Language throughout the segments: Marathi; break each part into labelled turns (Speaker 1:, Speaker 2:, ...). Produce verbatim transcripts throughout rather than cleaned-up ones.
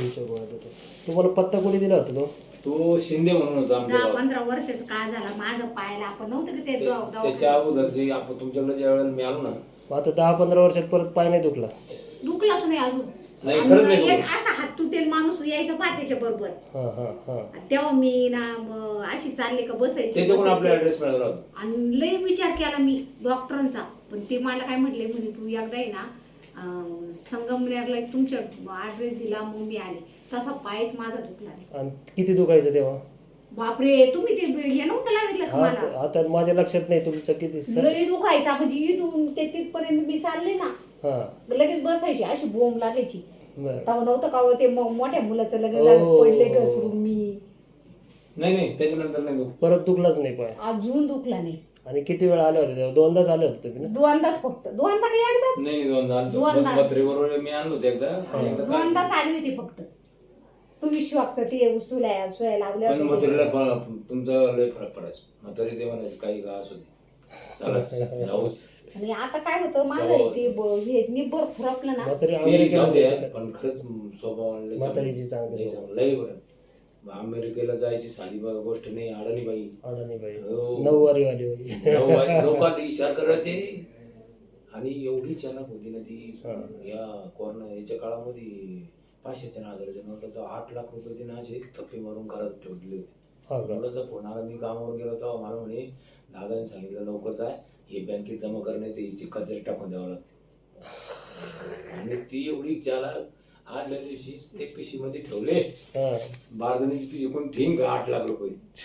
Speaker 1: तुमच्या गोळ्या देतो. तुम्हाला पत्ता कोणी दिला होता तो?
Speaker 2: तो शिंदे म्हणून होता आमच्या
Speaker 3: दहा
Speaker 2: गावात.
Speaker 3: पंधरा वर्षाचा काळ झाला माझं पायाला आपण नव्हतं की ते
Speaker 2: ते-
Speaker 3: दवा- दवा-
Speaker 2: त्याच्या अगोदर जे आपण तुमच्याकडे ज्या वेळेला मी आलो ना,
Speaker 1: मग आता दहा पंधरा वर्षात परत पाय नाही दुखला?
Speaker 3: दुखलाच नाही अजून.
Speaker 2: नाही, खरंच नाही
Speaker 3: आणि एक
Speaker 2: दुखलं.
Speaker 3: असा हात तुटेल माणूस यायचा पहा त्याच्या बरोबर.
Speaker 1: हा हा हा.
Speaker 3: तेव्हा मी ना म, अशी चालले का बसायची
Speaker 2: त्याच्याकडून आपला
Speaker 3: बसायची.
Speaker 2: ऍड्रेस मिळाला होता.
Speaker 3: आणि लय विचार केला मी डॉक्टरांचा, पण ते मला काय म्हटले म्हणे तू एकदा आहे ना अं, संगमनेरला एक तुमच्या ऍड्रेस दिला मग मी आले. तसा पायच माझा दुखला नाही.
Speaker 1: आणि किती दुखायचं तेव्हा?
Speaker 3: बापरे तुम्ही ते हे नव्हतं लाविलं का मला?
Speaker 1: हा, आता माझ्या लक्षात नाही तुमचं किती स-
Speaker 3: लय दुखायचा म्हणजे इथून ते तिथपर्यंत मी चालले ना
Speaker 1: हा
Speaker 3: लगेच बसायची अशी बोंब लागायची.
Speaker 1: बरं.
Speaker 3: तेव्हा नव्हतं का हो ते म- मोठ्या मुलाचं लग्न
Speaker 1: हो.
Speaker 3: झालं पडले घसरून मी.
Speaker 2: नाही नाही त्याच्यानंतर नाही दुखलं.
Speaker 1: परत दुखलाच नाही पाय?
Speaker 3: अजून दुखला नाही.
Speaker 1: आणि किती वेळा आले होते तेव्हा? दोनदाच आले होते तुम्ही ना?
Speaker 3: दोनदाच फक्त दोनदा काही एकदाच
Speaker 2: नाही नाही दोनदा आलो.
Speaker 3: दोनदा.
Speaker 2: पत्रे बरोबर मी आणलो होते एकदा आणि एकदा काय-
Speaker 3: दोनदाच आली होती फक्त. तुम्ही श्वासचं ते उचलल्या सोया लावल्या
Speaker 2: पण
Speaker 3: होत्या.
Speaker 2: म्हातारीला प- तुमचा लय फरक पडायचा. म्हातारी ते म्हणायची काही का असू दे चालच जाऊच.
Speaker 3: आणि आता काय होतं माझं ते ब- हे निब्बर फुरकलं ना.
Speaker 1: म्हातारी
Speaker 2: ते
Speaker 1: अमेरिकेला
Speaker 2: जाऊ द्या,
Speaker 1: जायचं का?
Speaker 2: पण खरंच स्वभाव लय
Speaker 1: म्हातारीची
Speaker 2: चांगला.
Speaker 1: चांगली
Speaker 2: लय चांगला, लय बरं. अमेरिकेला जायची साधी बा- गोष्ट नाही. अडाणी बाई
Speaker 1: अडाणी बाई
Speaker 2: हो.
Speaker 1: नऊवारी वाली होती.
Speaker 2: लोकांना इशार करायचे आणि एवढी चालाक होती ना ती. या कोरोना याच्या काळामध्ये पाचशेच्या हजाराच्या नोट तर आठ लाख रुपये तिने असे थप्पे मारून घरात ठेवले होते.
Speaker 1: हा का?
Speaker 2: मुलाचा फोन आला, मी कामावर गेलो तेव्हा मला म्हणे दादाने सांगितलं लवकरच आहे हे बँकेत जमा करणे ते हिची कचरे टाकून द्यावं लागते. आणि ती एवढी चालाक आदल्या दिवशी ते पिशीमध्ये ठेवले.
Speaker 1: हा.
Speaker 2: बारदाण्याची पिशी कोण ठेईन आठ लाख रुपये.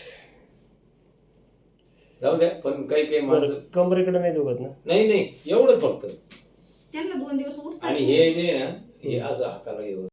Speaker 2: जाऊ द्या, पण काही काही माणसं
Speaker 1: बरं, कमरेकडे नाही दुखत ना?
Speaker 2: नाही नाही एवढंच फक्त.
Speaker 3: त्यांना दोन दिवस उठतात.
Speaker 2: आणि हे जे ना हे असं हाताला हे होतं.